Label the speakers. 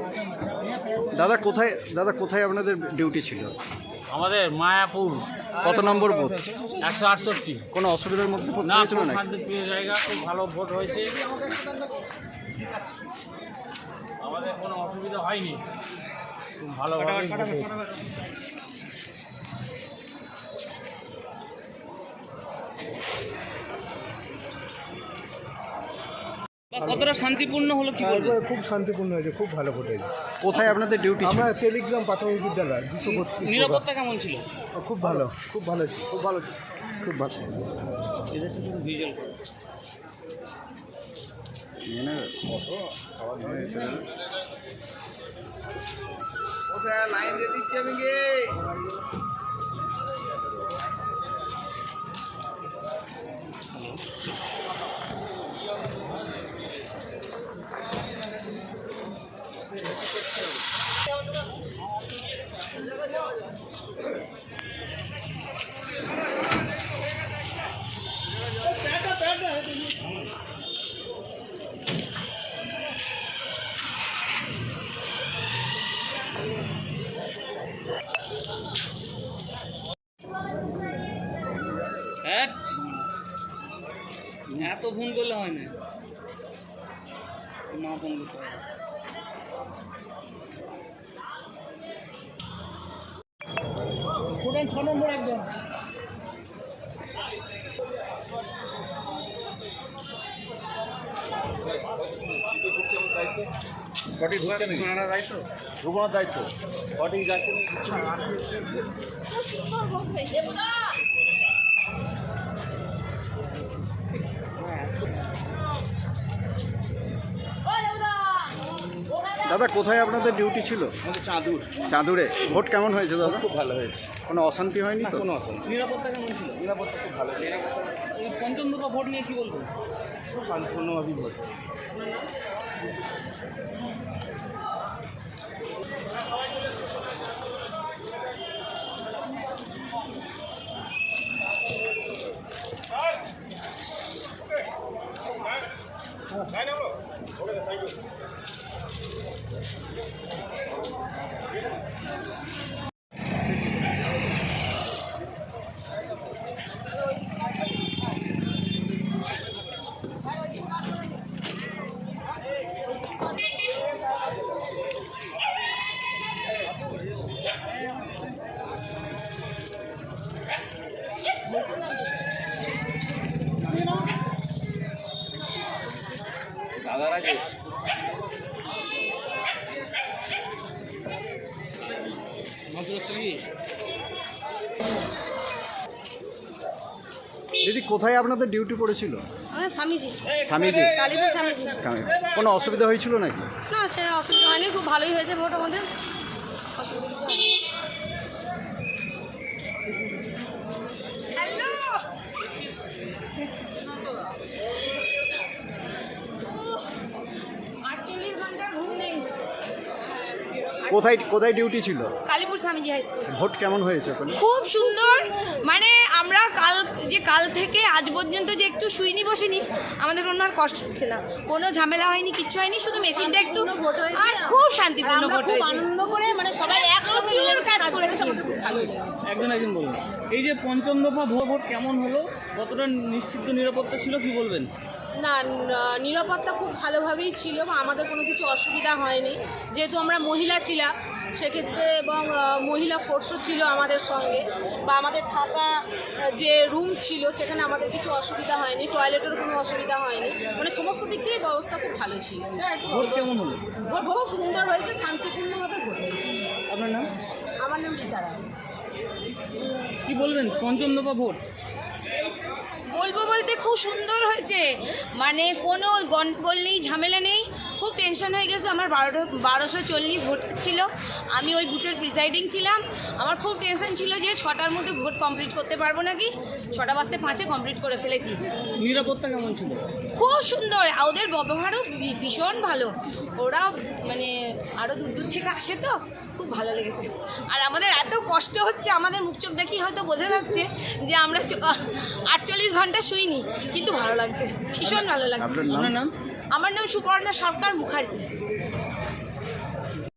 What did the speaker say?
Speaker 1: দাদা কোথায় আপনাদের ডিউটি ছিল?
Speaker 2: আমাদের মায়াপুর।
Speaker 1: কত নম্বর বুথ?
Speaker 2: 168।
Speaker 1: কোনো অসুবিধার মধ্যে
Speaker 2: না,
Speaker 1: পড়েছিল না?
Speaker 2: শান্তিপ্রিয় জায়গা, খুব ভালো ভোট হয়েছে, আমাদের কোনো অসুবিধা হয়নি, খুব ভালোভাবে ভোট হয়েছে। কতটা শান্তিপূর্ণ হলো কি বলবো?
Speaker 3: খুব শান্তিপূর্ণ হয়েছে, খুব ভালো ভোট হয়েছে।
Speaker 1: কোথায় আপনাদের ডিউটি ছিল?
Speaker 3: আমরা টেলিগ্রাম প্রাথমিক বিদ্যালয় 232।
Speaker 2: নিরাপত্তা কেমন ছিল?
Speaker 3: খুব ভালো, খুব ভালো ছিল, খুব ভালো ছিল, খুব ভালো।
Speaker 2: এদের শুধু ভিজুয়াল করে।
Speaker 4: লাইন দিয়ে দিচ্ছি আমি গিয়ে।
Speaker 2: হ্যাঁ, এত ফোন করলে হয় না, মা ফোন করতে হয়।
Speaker 4: ছ নম্বর একদম। সঠিক ঢুকছে না, ঢুকানোর দায়িত্ব, ঢুকানোর দায়িত্ব সঠিক যাচ্ছে।
Speaker 1: দাদা কোথায় আপনাদের ডিউটি ছিল?
Speaker 4: আমাদের
Speaker 1: চাঁদুরে। ভোট কেমন হয়েছে দাদা?
Speaker 4: খুব ভালো হয়েছে,
Speaker 1: কোনো অশান্তি হয়নি তো?
Speaker 4: কোনো অসুবিধা।
Speaker 2: নিরাপত্তা কেমন ছিল?
Speaker 4: নিরাপত্তা খুব ভালো,
Speaker 2: এই পঞ্চম দফা ভোট নিয়ে কি বলবো?
Speaker 4: খুব শান্তিপূর্ণভাবেই ভোট।
Speaker 1: দিদি কোথায় আপনাদের ডিউটি পড়েছিল?
Speaker 5: আমাদের স্বামীজি,
Speaker 1: স্বামীজি।
Speaker 5: কালীপুর স্বামীজি।
Speaker 1: কোনো অসুবিধা হয়েছিল নাকি?
Speaker 5: না, সে অসুবিধা হয়নি, খুব ভালোই হয়েছে ভোট আমাদের, অসুবিধা কিছু হয়নি। হ্যালো, আটচল্লিশ ঘন্টার ঘুম নেই।
Speaker 1: কোথায় ডিউটি ছিল?
Speaker 5: Kalipur Swamiji high school.
Speaker 1: Vote কেমন হয়েছে ওখানে?
Speaker 5: খুব সুন্দর, মানে আমরা কাল থেকে আজ পর্যন্ত যে একটু শুইনি বসিনি, আমাদের কোনো আর কষ্ট হচ্ছে না, কোনো ঝামেলা হয়নি, কিচ্ছু হয়নি, শুধু মেশিনটা একটু, আর খুব শান্তিপূর্ণ ভোট হয়েছে, আনন্দ করে, মানে সবাই প্রচুর কাজ করেছে।
Speaker 2: একজন বলুন, এই যে পঞ্চম দফা ভোট কেমন হলো, কতটা নিশ্চিত নিরাপত্তা ছিল, কি বলবেন?
Speaker 6: না, নিরাপত্তা খুব ভালোভাবেই ছিল, আমাদের কোনো কিছু অসুবিধা হয়নি, যেহেতু আমরা মহিলা ছিলাম সেক্ষেত্রে, এবং মহিলা ফোর্সও ছিল আমাদের সঙ্গে, বা আমাদের থাকা যে রুম ছিল সেখানে আমাদের কিছু অসুবিধা হয়নি, টয়লেটেরও কোনো অসুবিধা হয়নি, মানে সমস্ত দিক থেকে ব্যবস্থা খুব ভালো ছিল।
Speaker 2: ভোট কেমন হলো?
Speaker 6: ভোট খুব সুন্দর হয়েছে, শান্তিপূর্ণভাবে ভোট হয়েছে।
Speaker 2: আপনার নাম?
Speaker 6: আমার নাম রীতা রায়।
Speaker 2: কি বলবেন পঞ্চম দফা ভোট?
Speaker 5: বলবো বলতে খুব সুন্দর হয়েছে, মানে কোনো গন্ডগোল নেই, ঝামেলা নেই, খুব টেনশন হয়ে গেছে। আমার 1240 ভোট ছিল, আমি ওই বুথের প্রিসাইডিং ছিলাম, আমার খুব টেনশন ছিল যে 6টার মধ্যে ভোট কমপ্লিট করতে পারবো নাকি, 6টা বাজতে 5-এ কমপ্লিট করে ফেলেছি।
Speaker 2: নিরাপত্তা কেমন ছিল?
Speaker 5: খুব সুন্দর, ওদের ব্যবহারও ভীষণ ভালো, ওরা মানে আরও দূর থেকে আসে তো, খুব ভালো লেগেছে। আর আমাদের এত কষ্ট হচ্ছে, আমাদের মুখ চোখ দেখি হয়তো বোঝা যাচ্ছে যে আমরা 48 ঘন্টা শুইনি, কিন্তু ভালো লাগছে, ভীষণ ভালো লাগছে।
Speaker 1: আপনার নাম?
Speaker 5: আমার নাম সুপর্ণা সরকার মুখার্জি।